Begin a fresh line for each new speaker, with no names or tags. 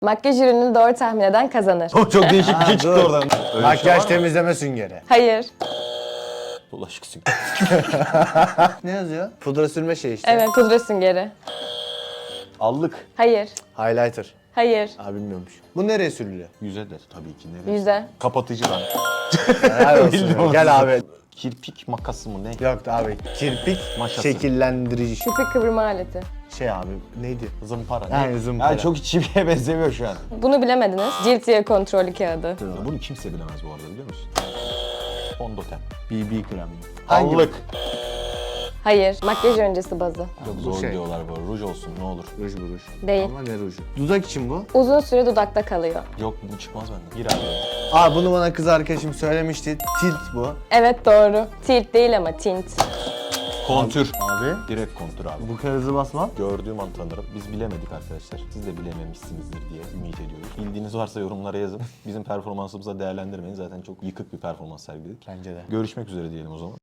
Makyaj ürününü doğru tahmin eden kazanır.
Çok değişik bir şey çıktı
dur.
oradan. Öyle
Makyaj temizleme süngeri.
Hayır.
Bulaşık süngeri.
Ne yazıyor? Pudra sürme şey işte.
Evet, pudra süngeri.
Allık.
Hayır.
Highlighter.
Hayır.
Abi bilmiyormuş. Bu nereye sürülüyor?
Yüze de tabii ki. Neresi?
Yüze.
Kapatıcı lan.
Helal olsun. Gel abi.
Kirpik makası mı ne?
Yok abi. Kirpik
Maşası.
şekillendirici.
Kirpik kıvırma aleti.
Şey abi neydi?
Zımpara.
Yani zımpara.
Yani çok çiviye benzemiyor şu an.
Bunu bilemediniz. Cilt yağı kontrolü kağıdı.
Ya bunu kimse bilemez bu arada biliyor musun? Fondöten.
BB krem.
Allık.
Hayır. Makyaj öncesi bazı.
Çok
bu
zor
şey.
diyorlar bu. Ruj olsun ne olur.
Ruj bu ruj.
Değil.
Ama ne ruju? Dudak için bu.
Uzun süre dudakta kalıyor.
Yok bu çıkmaz benden. Gir abi.
Aa bunu bana kız arkadaşım söylemişti. Tilt bu.
Evet, doğru. Tilt değil ama tint.
Kontür.
Abi.
Direkt kontür abi.
Bu kadar hızlı basma.
Gördüğüm an tanırım. Biz bilemedik arkadaşlar. Siz de bilememişsinizdir diye ümit ediyoruz. Bildiğiniz varsa yorumlara yazın. Bizim performansımıza değerlendirmeyin. Zaten çok yıkık bir performans sergiledik.
Bence de.
Görüşmek üzere diyelim o zaman.